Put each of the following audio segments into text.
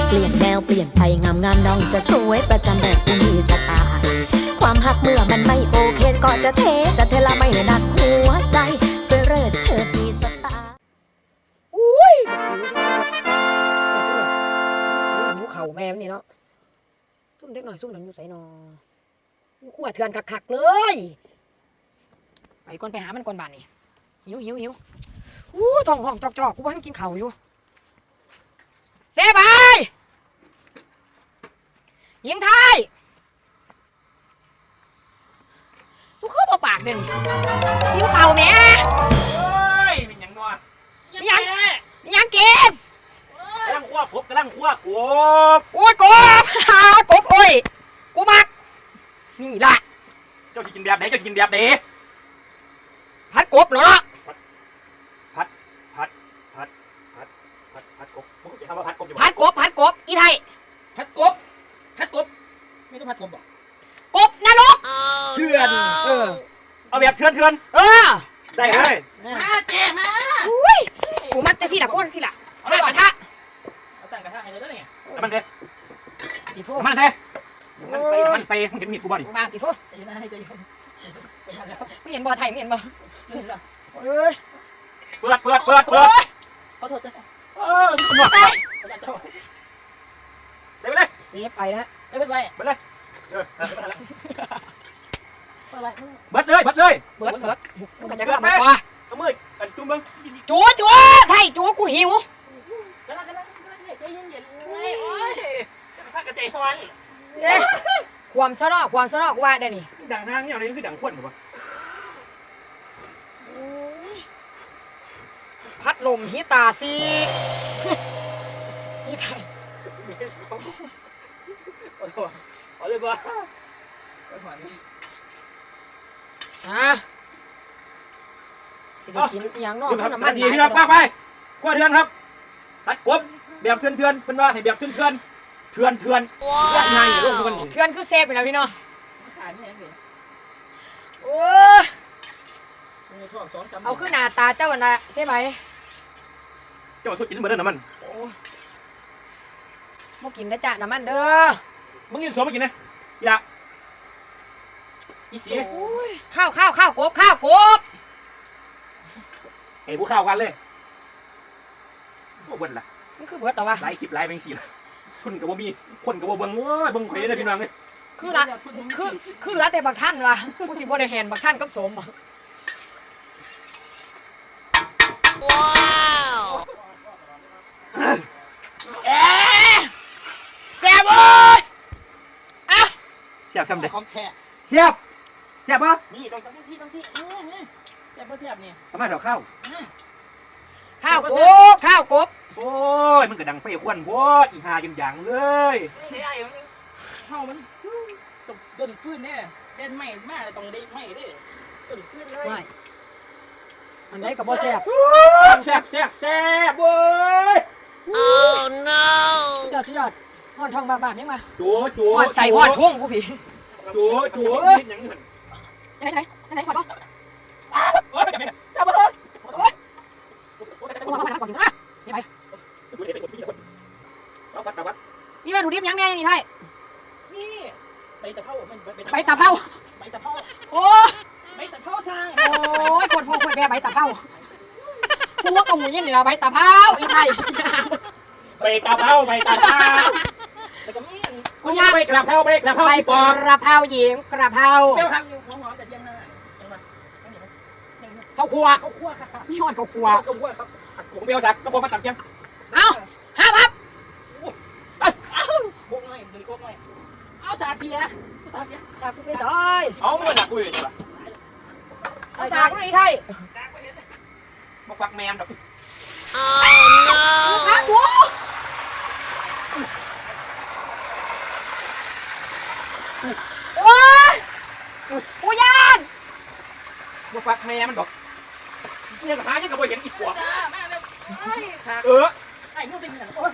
เปลี่ยนแนวเปลี่ยนไปงามน้องจะสวยประจำแบบผู้มีสไตล์ความหักเมื่อมันไม่โอเคก็จะเทละไม่ได้หนักหัวใจสวยเลิศเชิดมีสไตล์อุ้ยหิวเข่าแม่นี่เนาะซุ่มเด็กหน่อยซุ่มหนังอยู่ใส่นอขั้วเถื่อนคักๆเลยไปก่อนไปหามันก่อนบ้านนี่หิวท้องห้องจอกกูว่าให้กินเข่าอยู่เสียไปยิงไทยสุขภาพปากเด่นหิวเข่าแม่เฮ้ยเป็นยังนอนยังกินกำลังคั่วกบกำลังคั่วกบโอ้ยกบโอ้ยกูมักนี่ล่ะเจ้าจะกินแบบไหนเจ้าจะกินแบบไหนพัดกบเหรอพัดกบมึงจะทำว่าพัดกบอยู่พัดกบอีไทยพัดกบไม่ต้องพัดกบหรอกกบนรกเถื่อนเอาแบบเถื่อนได้เลยมาเจ๊มาอุ้ยกูมักจะสิล่ะก้นสิล่ะเอากระทะเอาตั้งกระทะให้เลยแล้วนี่มันเซ่มันเซ่มึงเห็นมีดกูบ่ดิมาติโทษไม่เห็นบ่ไทยไม่เห็นบ่เอ้ยเปิดขอโทษจ้ะคุณหมอได้ไปเลยเสียไปนะไปเลยเบิดเลยมึงก็จะกลับมาป่ะเอามือกันจุ่มมึงจูไทยจูกูหิวใจเย็นๆโอ้ยจะพักกระใจฮอนความสนอกูว่าได้นี่ดังทางเนี่ยอะไรคือดังควนหรอวะพัดลมฮิตาซีฮิตาเอาเลยบ่สิได้กินอย่างนอกเพราะน้ำมันดีพี่น้องป้าไปกว่าเถื่อนครับตัดกบแบบเถื่อนเป็นว่าให้แบบเถื่อนไงลูกมันเถื่อนคือเซฟไปแล้วพี่น้องโอ้เอาขึ้นหน้าตาเจ้าวันละใช่ไหมเจ้าสุดกินเหมือนเดิมน้ำมันมากินได้จ้ะน้ำมันเด้อมึงกินสมมากินนะอย่าอีสีข้าวกบไอ้ผู้ข้าวกันเลยโอ้เบิ้ลล่ะมันคือเบิ้ลหรอวะไล่คลิปไล่แมงสีทุนกับว่ามีคนกับว่าเบิ้งโอ้ยเบิ้งข่อยเลยพี่น้องเลยคือเหลือแต่บางท่านวะผู้สิบ่ได้เห็นบางท่านกับสมว้าวแซ่บเลยอ่ะเสียบทำเด็กของแท้เสียบปะนี่ต้องซี่เสียบนี่ทำไมเราข้าวกบโอ้ยมันก็ดังไฟควันโว้ยอีหาอย่างเลยเข้ามันต้นฟื้นเนี่ยเล่นใหม่มากต้องได้ใหม่ดิต้นฟื้นเลยอันไหนกับบ่แซ่บเว้ยโอ้ no ยอดห่อนทองบาบยังมาจูห่อนใส่ห่อนทุ่งกูผีจูคิดอย่างนี้ไหนขอดป่ะโอ้ยจับเลยกูมาก่อนสินะเสียไปมีวัตถุดิบยังไงนี่ไทยนี่ใบตะเภาโอ้ใบตะเภาทางโอ้ยคนพวกคนแม่ใบตะเภาพวกกับหมูยันนี่ละใบตะเภาอีไทยใบตะเภาแต่ก็มีคุณย่าใบกระเพราหญิงกระเพราเปรี้ยวครับหอมแต่ยังไงข้าวคั่วค่ะนี่หอดข้าวคั่วครับผมเปรี้ยวสักก็ผมมาตัดเชียงเอาครับโค้งหน่อยโค้งหน่อยเอาสาเทียสาคุไปซอยเอาไม่หนักกูเลยจ้ะสาคุนี่ไทยมาฟักแมมดอกครับกูโอ้ยกูยานมาฟักแมมดอกเนี่ยกับหาเนี่ยกับบ่เห็นอีกกว่าไอ้พวกเป็นอย่างโอ้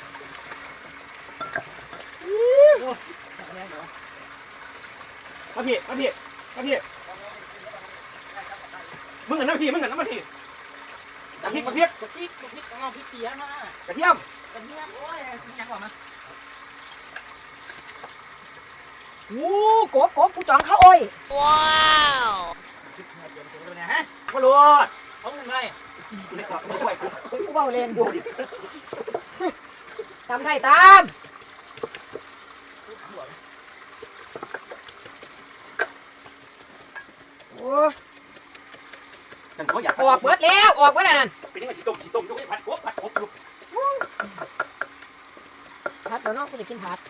มาพี่มึงกันน้ำพี่กระเทียมกระเทียมกะทิกะทิเอาพริกเสียมากระเทียมกระเทียมโอ้ยยังกว่ามาโอ้กบกูจองข้าวอ้อยพริกเนี่ยเตรียมตัวเลยนะฮะมาโหลดเอาเงินไปกูเล็กกว่ากูช่วยกูกูเบาเลนดูดิตามไทยตามโอ้ฉันเขาอยากออกเบิดแล้วออกเบิดแล้วนั่นเป็นยังไงฉีต้มยกให้ผัดกบอยู่ผัดเดี๋ยวน้องกูจะกินผัด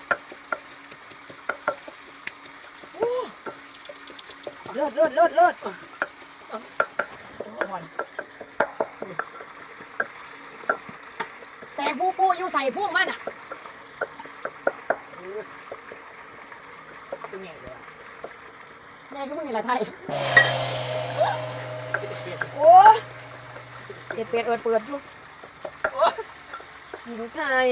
เลิศแต่ปูอยู่ใส่พุ่งมันอ่ะเป็นไงเดี๋ยวแน่ก็ไม่มีอะไรไทยเปลี่ยนโอ้เปิดอยู่หญิงไทย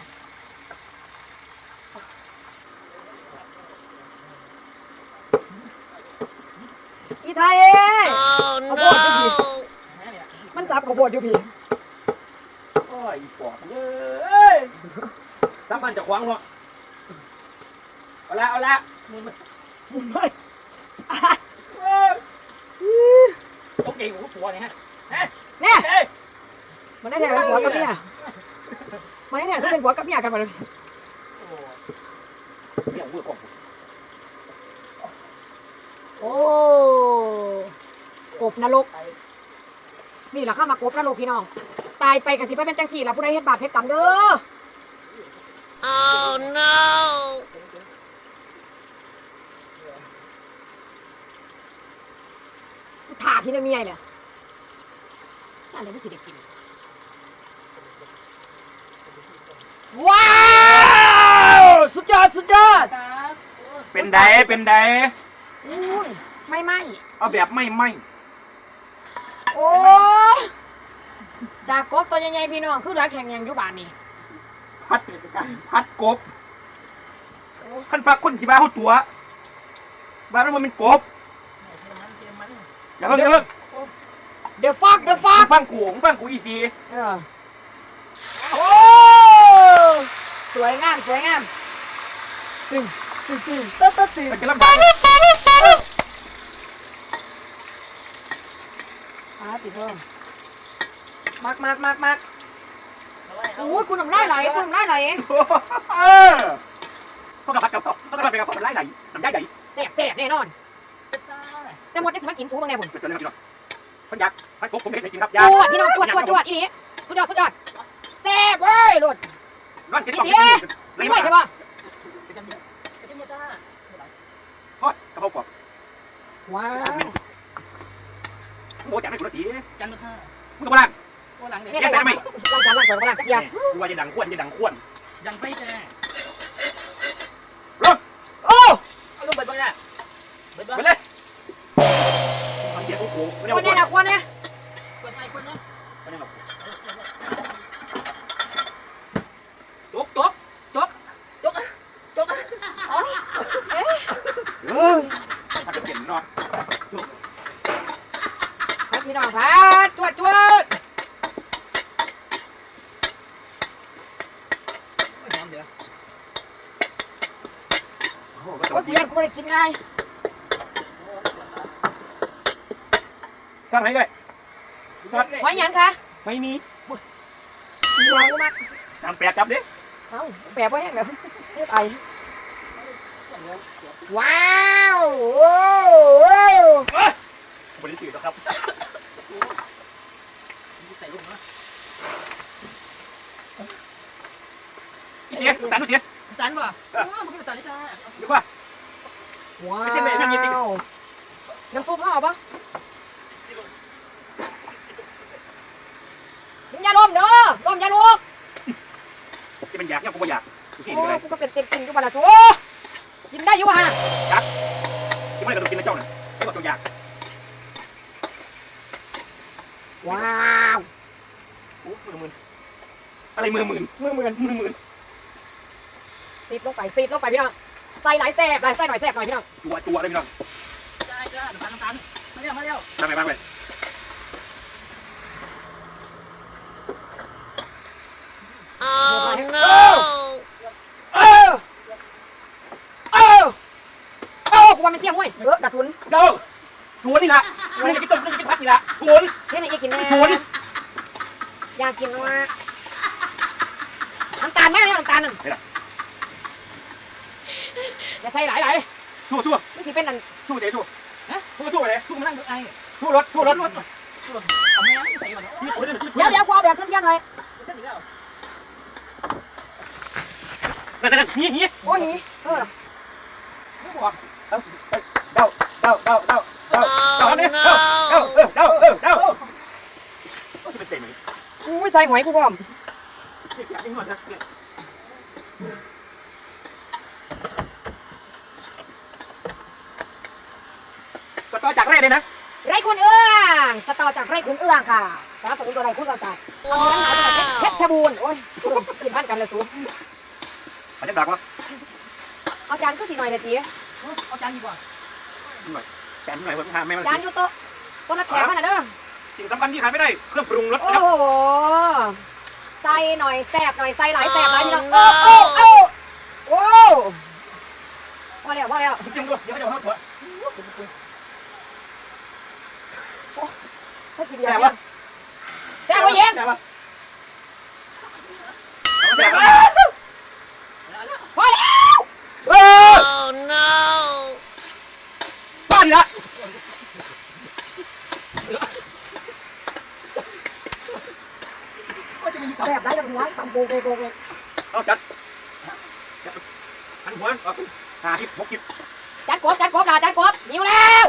อีไทยเอ้ยข้าวโพดอยู่พี่มันสับข้าวโพดอยู่พี่โอ้ยปอดเอ้ยสามพันจะขวางเนาะเอาละมึงไม่ตกใจกูตัวเนี่ยฮะเนี่ยเอ้ยมันได้แถเป็นผัวกับเมียมันได้แถจะเป็นผัวกับเมียกันมาเลยโอ้เนี่ยเวอร์กว่าโอ้กบนรกนี่แหละข้ามากบนรกพี่น้องตายไปกับสิไปเป็นจังสี่ละผู้ใดเฮ็ดบาปเฮ็ดกรรมเด้อ Oh no ถ่าพี่จะมีอะไรเลยอะไรไม่สิได้กินว้าวสุดยอดเป็นไดอุ้ยไม่เอาแบบไม่โอ้จากกบตัวใหญ่ๆพี่น้องคือรักแข่งยังอยู่บ้านนี่พัดกบขั้นฟ้าคนสิบ้าเขาตัวบ้านนั้นมันเป็นกบอย่าเพิ่ง The fuck ฟังกูอีซีโอ้สวยงามตึงตึงมันจะลำบากติดเพิ่มมักโอ้ยคุณทำได้ไหลพวกกับพัดกับพวกกับพัดกับมันไล่ไหลน้ำได้ใหญ่แซ่บแน่นอนจ้าแต่หมดได้สมัครกินสูงบางแน่ผมเป็นตัวนี้ครับพี่น้องคนอยากพัดกบผมเห็นจริงครับจวดพี่น้องจวดอีนี่สุดยอดแซ่บเว้ยหลุดร้อนเสียไม่ไหวใช่ปะกระเทียมจ้าทอดกระเพราะกรอบว้าวโอ้จังไม่คุณสีจันทร์ห้ามึงกับบ้านโอ้หลังเด็กเนี่ยใครล้างจานล้างสวนจักรยานกูว่าจะดังข้วนยังไฟแจ้งร้อนโอ้เอาลูกเบิดไปเนี่ยเบิดไปเลยมันเดี๋ยวกูไม่ได้คนนี้นะคนนี้เปิดไฟคนนี้ไม่ได้หรอกจกพัดจะเปลี่ยนเนาะพี่น้องพัดจวดหอมเดี๋ยวโอ้โอ้ยเรียนกูไม่ได้กินไงสร้างให้ด้วยสร้างหอยยังคะไม่มีหอยกูมากจำแปดจับดิเอ้าแปะไว้แห้งแล้วเสียบไอว้าวโอ้บริสุทธิ์ครับใส่ลูกนะเสียตันเสียจานป่ะมันก็จานนี่จ้าดีกว่าว้าวน้ำซุปห่อปะอย่าล้มเด้อล้มอย่าลุกที่มันอยากเนี่ยกูไม่อยากกูกินโอ้เลยกูก็เป็นเต็มกินอยู่บ้านละสูกินได้อยู่ฮะที่ไม่ได้กระโดดกินนะเจ้าน่ะไม่บอกตัวอยากว้าวโอ้มือมืนอะไรมือมืนมือเหมือนมือซีดลงไปพี่น้องใส่หลายแซ่บหลายไส้หน่อยแซ่บหน่อยพี่น้องตัวอะไรพี่น้องจ้าน้ำตาลมาเร็วมาไปห้วยกระสุนเด้อสวนนี่ละไม่ได้กินต้มไม่ได้กินพัดนี่ละสวนเฮ็ดให้กินแน่สวนอยากกินว่าน้ำตาลแม่เนี่ยน้ำตาลนึงอย่าใส่หลายสู้มันสิเป็นนั่นสู้เจ๊สู้สู้ไปเลยสู้มานั่งไอ้สู้รถเอาแม่ใส่ก่อนเนาะเดี๋ยวพอแบบเส้นๆหน่อยเส้นอีกแล้วนั่นนี่โอ้ยไม่บอกเด้าเนี่ยเด้าก็จะเป็นเต็มเลยอุ้ยใส่หอยกูพร้อมเสียบจริงหมดนะก็ต่อจากแรกเลยนะไร่คุณเอื้องสตอจากไร่คุณเอื้องค่ะสนับสนุนตัวไร่คุณเราจากอำเภอหนาวจังหวัดเพชรบูรณ์โอ้ยขึ้นบ้านกันเลยสูอันนี้ดักวะเอาจานก็สีหน่อยเลยสิเอาจานดีกว่าแกนหน่อยผมทานแม่มันจานอยู่โต๊ะนักแขกมันน่ะเด้อสิ่งสำคัญที่ขาดไม่ได้เครื่องปรุงรสโอ้ครับโหใส่หน่อยแซ่บหน่อยใส่หลายแซ่บหลายพี่น้องโอ้ว่าแล้วเชียงด้วยเดี๋ยวเขาจะเข้าตัวถ้าคิดอย่างนี้แซ่บกว่าเย็นแต่ว่าพอแล้วบ้านนี่ละก็จะมีแซ่บหลายแบบหัวตำโบเลยเอาจัดหันหัวหาที่6 จานกบล่ะจานกบหิวแล้ว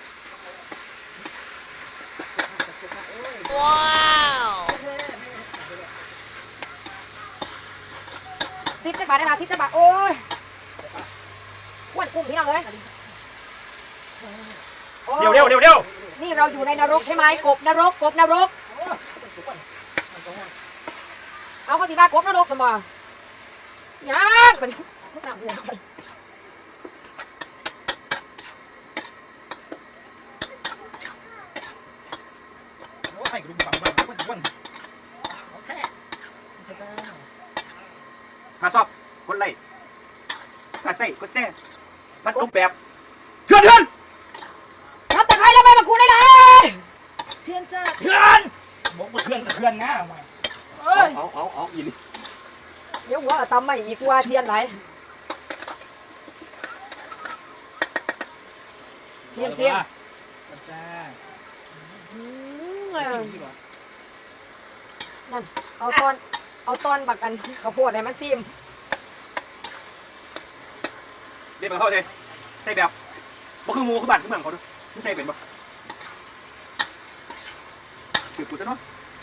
10 จักบาทได้มา10 จักบาทโอ้ยอ้วนกุ้งพี่น้องเอ้ยเร็วนี่เราอยู่ในนรกใช่ไหมกบนรกเอาข้อสิบ้ากบนรกสมอยังเป็นโอ้ยกระดูกฝังบ้านโอเคถ้าชอบกดไลค์ถ้าใส่กดแซ่พัดกบแบบเถื่อนซับตะไคร้แล้วใบมะกรูดได้เลยเทียนจ้าเถื่อนบอกว่าเพื่อนนะเอ้ยเอาอินเดี๋ยวหัวตำไม่อีกว่าเทียนไหนเสียมจ้านั่นเอาตอนบักกันข้าวโพดให้มันซิมเดี๋ยวเข้าใจใส่แบบบ่คือหมูคือบ้านคือเมืองเขาดูไม่ใช่เป็นบ่จุดกูจะนอน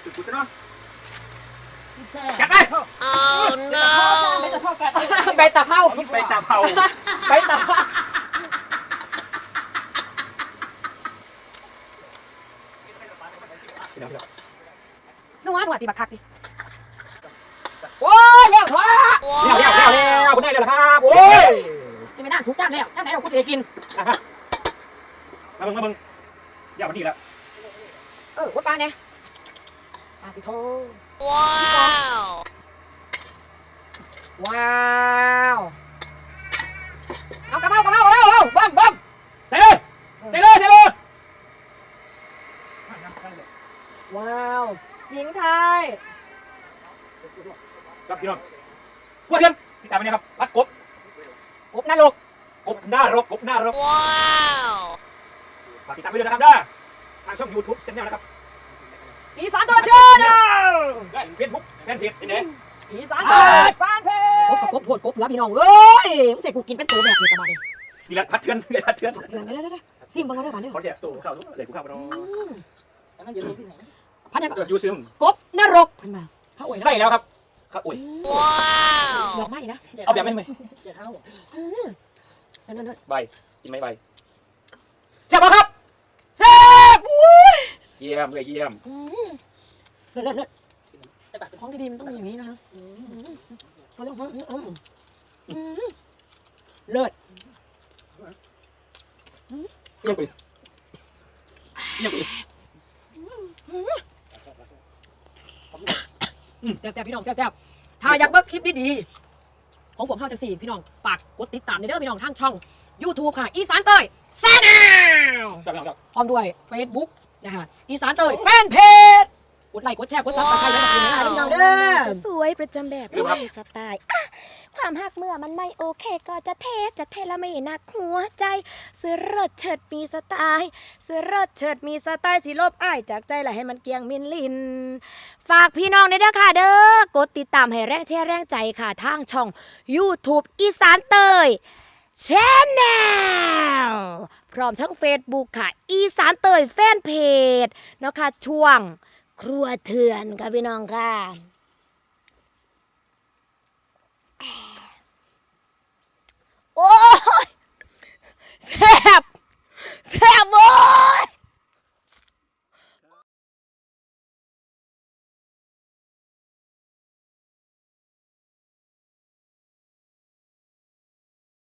จัดไปไม่จะเท่ากันใบตะเมาไปตามเผาใบตะเมานัวติบักคักดิโอ้ยเร็วถั่วแล้วคุณได้แล้วครับโอ้ยจะไม่น่าถูกจ้านแล้วจ้านไหนเรากูจะได้กินมาเบิ่งอย่ามาดีแล้ววัดปลาเนี่ยปลาติโทว้าวเอากระเพรากระเพราเอาบ้มใส่เลยว้าวหญิงไทยครับพี่น้องพวกเทียนติดตามไปนะครับพัดกบกบนรกกบหน้ารกว้าวฝากติดตามไปด้วยนะครับได้ทางช่อง YouTube เซนแนลนะครับอีสานตัวเชื่อนะเฟซบุ๊กแฟนเพจเป็นไงอีสานตัวฟานเพกบกับกบโหดกบเหลือพี่น้องเอ้ยมึงใส่กูกินเป็นตัวแบบนี้ประมาณนี้ดีแล้วพัดเทือนเถื่อนเดี๋ยวซิมบังมาด้วยบ้านเด้อขอแจกตัวข้าวเลยกูข้าวไปน้องแล้วมันอยู่ที่ไหนพันยังยูซึมกบนรกพันมาเขาอวยใส่แล้วครับข้าวโอ้ยว้าวดอกไม้นะเอาแบบไม่เจ้าเท่านั่นใบกินไหมใบแซ่บครับแซ่บอุ้ยเยี่ยมเลยเยี่ยมเลิศจะตัดเป็นของดีๆมันต้องมีอย่างนี้นะเขาต้องเลิศเยี่ยมไปแต่พี่น้องแซ่บถ้าอยากเบิ่งคลิปดีๆของผมเท่าจะ4พี่น้องฝากกดติดตามในเด้อพี่น้องทางช่อง YouTube ค่ะ อีสานเตยแซนแนลจับพร้อมด้วย Facebook นะคะอีสานเตยแฟนเพจกดไลค์กดแชร์กดซับสไครต์ด้วยนะคะพี่น้องเด้อจะสวยประจำแบบมีสไตล์อ่ะความหักเมื่อมันไม่โอเคก็จะเทละไม่หนักหัวใจสวยเลิศเฉิดมีสไตล์สวยเลิศเฉิดมีสไตล์สิลบอ้ายจากใจละให้มันเกียงมินลิน ฝากพี่น้องด้วยเด้อค่ะเด้อกดติดตามให้แรงแชร์แรงใจค่ะทางช่อง YouTube อีสานเตยแชนแนลพร้อมทั้ง Facebook ค่ะ อีสานเตยแฟนเพจเนาะค่ะช่วงครัวเถื่อนค่ะพี่น้องค่ะ